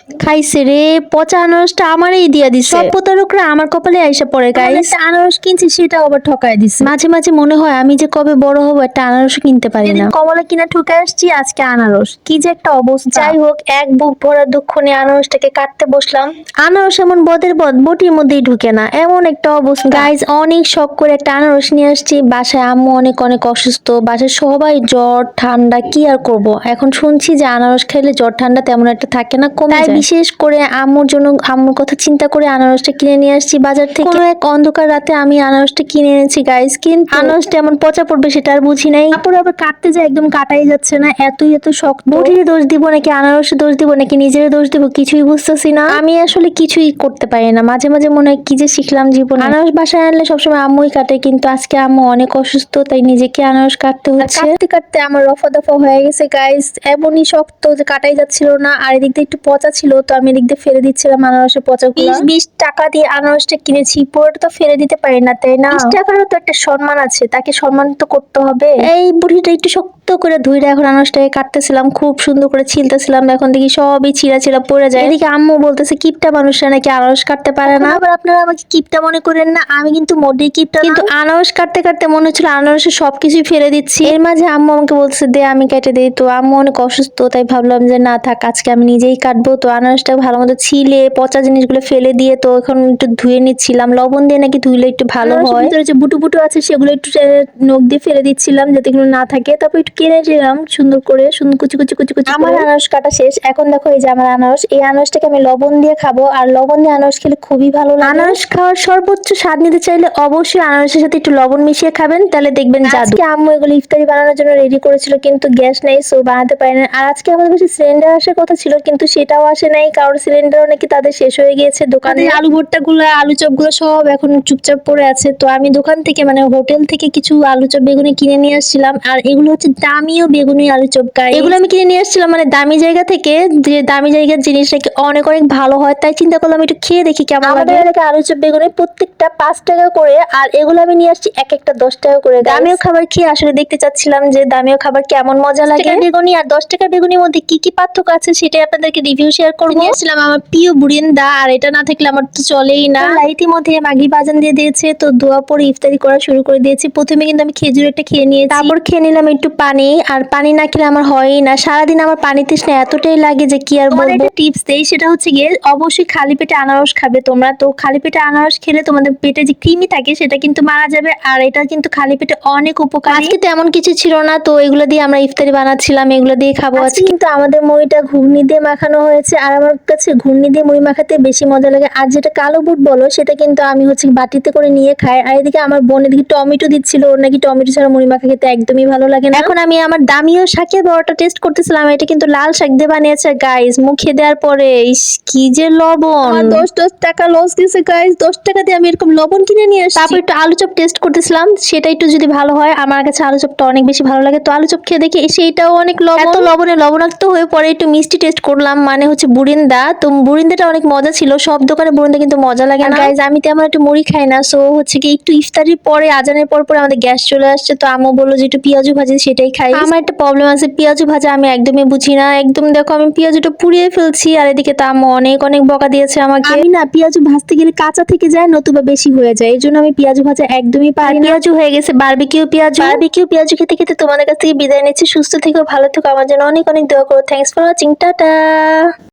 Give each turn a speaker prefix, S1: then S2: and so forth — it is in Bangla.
S1: খাইছে রে, পচা আনারসটা আমারই দিয়া দিছে। সব প্রতারকরা আমার কপালে আইসা পড়ে গাইস।
S2: আনারস কিনছি সেটাও আবার ঠকায় দিছে।
S1: মাঝে মাঝে মনে হয় আমি যে কবে বড় হবো, একটা আনারস কিনতে পারি না।
S2: কমলা কিনা ঠকে আসছি, আজকে আনারস, কি যে একটা অবস্থা।
S1: যাই হোক, এক বুক ভরা দুঃখ নিয়ে আনারসটাকে কাটতে বসলাম। আনারস এমন বদের বদ, বটির মধ্যেই ঢুকে না, এমন একটা অবস্থা। গাইজ অনেক শখ করে একটা আনারস নিয়ে আসছি বাসায়। আম্মু অনেক অনেক অসুস্থ, বাসায় সবাই জ্বর ঠান্ডা, কি আর করব। এখন শুনছি যে আনারস খেলে জ্বর ঠান্ডা তেমন একটা থাকে না, কমে যায়। বিশেষ করে আম্মুর জন্য, আম্মুর কথা চিন্তা করে আনারসটা কিনে নিয়ে আসছি বাজার থেকে। কোনো এক অন্ধকার রাতে আমি আনারসটা কিনে এনেছি গাইজ, কিন্তু আনারসটা এমন পচা পড়বে সেটা আর বুঝি নাই।
S2: তারপরে আবার কাটতে যায় একদম কাটাই যাচ্ছে না, এত শক্ত।
S1: বটির দোষ দিব নাকি আনারসে দোষ দিব নাকি নিজের দোষ দিব, কিছুই বুঝতেছি না। আমি আসলে কিছুই করতে পারি না। মাঝে মাঝে মনে হয় কি যে শিখলাম জীবনে। আনারস বাসায় আনলে সবসময় আম্মুই কাটে, কিন্তু আজকে আম্মু অনেক অসুস্থ, তাই নিজেকে আনারস কাটতে হচ্ছে।
S2: কাটতে কাটতে আমার রফা দফা হয়ে গেছে গাইস, এমনই শক্ত যে কাটাই যাচ্ছিল না। আর এদিক দিয়ে একটু পচা ছিল, তো আমি এদিক দিয়ে ফেলে দিচ্ছিলাম আনারসের পচাগুলো।
S1: 20 টাকা দিয়ে আনারসটা কিনেছি, পুরোটা তো ফেলে দিতে পারি না, তাই না?
S2: 20 টাকারও তো একটা সম্মান আছে, তাকে সম্মান তো করতে হবে।
S1: এই বুড়িটা একটু শক্ত করে ধুইরা এখন আনারসটাকে কাটতেছিলাম, খুব সুন্দর করে ছিলতেছিলাম। এখন দেখি সবই ছিঁড়া ছিঁড়া পড়ে যায়। এদিকে আম্মু বলতেছে কিপটা মানুষরা নাকি আনারস কাটতে পারে না।
S2: আবার আপনারা আমাকে কিপটা মনে করেন না, আমি কিন্তু মোটেই কিপটা না।
S1: কিন্তু আনারস কাটতে কাটতে মনে হচ্ছিল আনারসের সবকিছুই ফেলে দিচ্ছি। এর মাঝে আম্মু আমাকে বলছে দে আমি কেটে দিই, তো আম্মু অনেক অসুস্থ, তাই ভাবলাম যে না থাক, আজকে আমি নিজেই কাটবো। তো আনারসটা ভালো মতো ছিলে পচা জিনিসগুলো ফেলে দিয়ে তো এখন একটু ধুয়ে নিচ্ছিলাম। লবণ দিয়ে নাকি ধুইলে একটু ভালো হয়।
S2: ভিতরে যে বুটু বুটু আছে সেগুলো একটু নখ দিয়ে ফেলে দিচ্ছিলাম যাতে এগুলো না থাকে। তারপর একটু কেটে দিলাম সুন্দর করে, সুন্দর কুচি কুচি কুচি কুচি।
S1: আমার আনারস কাটা শেষ। এখন দেখো এই যে আমার আনারস, এই আনারসটাকে আমি লবণ দিয়ে খাবো, আর লবণ দিয়ে আনারস খেলে খুবই ভালো লাগে। আনারস খাওয়ার সর্বোচ্চ স্বাদ নিতে চাইলে অবশ্যই আনারসের সাথে একটু লবণ মিশিয়ে খাবেন, তাহলে দেখবেন জাদু।
S2: আজকে আম্মু এগুলো ইফতারি বানানোর জন্য রেডি করেছিল, কিন্তু গ্যাস নেই, সো বানাতে পারি না। আর আজকে আমাদের কাছে সিলিন্ডার আসার কথা ছিল, কিন্তু সেটাও আসে নাই, কারণ সিলিন্ডারও নাকি তাদের শেষ হয়ে গিয়েছে দোকানে।
S1: আলু ভর্তা গুলো, আলু চপ গুলো সব এখন চুপচাপ পড়ে আছে। তো আমি দোকান থেকে মানে হোটেল থেকে কিছু আলু চপ বেগুনি কিনে নিয়ে আসছিলাম, আর এগুলো হচ্ছে দামিও বেগুনি আলু চপ। এগুলো আমি কিনে নিয়ে আসছিলাম মানে দামি জায়গা থেকে, যে দামি জায়গার জিনিস নাকি অনেক অনেক ভালো হয়, তাই চিন্তা করলাম একটু খেয়ে দেখি কেমন লাগে।
S2: আমাদের এলাকায় আলু চপ বেগুনি প্রত্যেকটা 5 টাকা করে, আর এগুলো আমি নিয়ে আসছি এক একটা 10 টাকা করে।
S1: দামিও খাবার খেয়ে আসলে দেখতে চাচ্ছিলাম যে দামিও খাবার কেমন মজা লাগে।
S2: বেগুনি আর 10 টাকার বেগুনির মধ্যে কি কি পার্থক্য আছে সেটাই আপনাদেরকে রিভিউ শেয়ার করবো।
S1: নিয়ে আসছিলাম আমার প্রিয় বুরিন্দা, আর এটা না থাকলে আমার তো চলেই না।
S2: ইতিমধ্যে মাগরিব আজান দিয়ে দিয়েছে, তো দোয়া পড়ে ইফতারি করা শুরু করে দিয়েছি। প্রথমে কিন্তু আমি খেজুর একটা খেয়ে নিয়েছি,
S1: তারপর খেয়ে নিলাম একটু পানি। আর পানি না খেলে আমার হয়ই না, সারাদিন আমার পানি তৃষ্ণা এতটাই লাগে যে কি আর বলবো।
S2: একটা টিপস দেই, সেটা হচ্ছে গিয়ে অবশ্যই খালি পেটে আনারস খাবে তোমরা। তো খালি পেটে আনারস খেলে তোমাদের পেটে যে কৃমি থাকে সেটা কিন্তু মারা যাবে, আর এটা কিন্তু খালি পেটে অনেক উপকারী।
S1: আজকে তো এমন কিছু ছিল না, তো এগুলো দিয়ে আমরা ইফতারি বানাচ্ছিলাম, এগুলো দিয়ে খাবো আজকে।
S2: কিন্তু আমাদের মুড়িটা ঘুগনি দিয়ে মাখানো হয়েছে, আর আমার কাছে ঘুগনি দিয়ে মুড়ি মাখাতে বেশি মজা লাগে। আর যেটা কালো বুট বলো, সেটা কিন্তু আমি হচ্ছে বাটিতে করে নিয়ে খাই। আর এদিকে আমার বোন এদিকে টমেটো দিচ্ছিল, ওর নাকি টমেটো ছাড়া মুড়ি মাখা খেতে একদমই ভালো লাগে না।
S1: এখন আমি আমার দামিও শাকের বড়াটা টেস্ট করতেছিলাম, এটা কিন্তু লাল শাক দিয়ে বানিয়েছে গাইস। মুখে দেওয়ার পরে কি যে লবণ,
S2: 10 টাকা লস গেছে গাইস। 10 টাকা দিয়ে আমি এরকম লবণ কিনে নিয়ে আসছি।
S1: তারপর একটু আলু চপ টেস্ট করতেছিলাম, সেটা একটু যদি ভালো হয়, আমার কাছে আলু চপটা অনেক বেশি ভালো লাগে। তো আলু চপ খেয়ে দেখি সেইটাও অনেক লবণ, এত লবণে লবণাক্ত হয়ে পরে একটু মিষ্টি টেস্ট করলাম, মানে হচ্ছে বুরিন্দা। তো বুরিন্দাটা অনেক মজা ছিল, সব দোকানে বুরিন্দা কিন্তু মজা লাগে না
S2: গাইস, আমি তেমন একটু মুড়ি খাই না, সো হচ্ছে কি একটু ইফতারির পরে আজানের পর পরে আমাদের গ্যাস চলে আসছে। তো আম্মু বললো যে একটু পেঁয়াজু ভাজি, সেটাই খাই। আমার একটা প্রবলেম আছে, পেঁয়াজু ভাজা আমি একদমই বুঝি না। একদম দেখো আমি পেঁয়াজুটা পুড়িয়ে ফেলছি, আর এদিকে তো আম্মু অনেক অনেক বকা দিয়েছে আমাকে। আমি না পেঁয়াজু ভাজতে গেলে কাঁচা থেকে যায়, নতুবা বেশি হয়ে যায়, এই জন্য আমি পেঁয়াজু ভাজা একদমই পারি না।
S1: পেঁয়াজু হয়ে গেছে বারবিকিউ পেঁয়াজু। বারবিকিউ পেঁয়াজু খেতে খেতে তোমাদের কাছ থেকে বিদায় নিচ্ছি। সুস্থ থেকো, ভালো থেকো, আমার জন্য অনেক অনেক দোয়া করো। Thanks for watching, tata.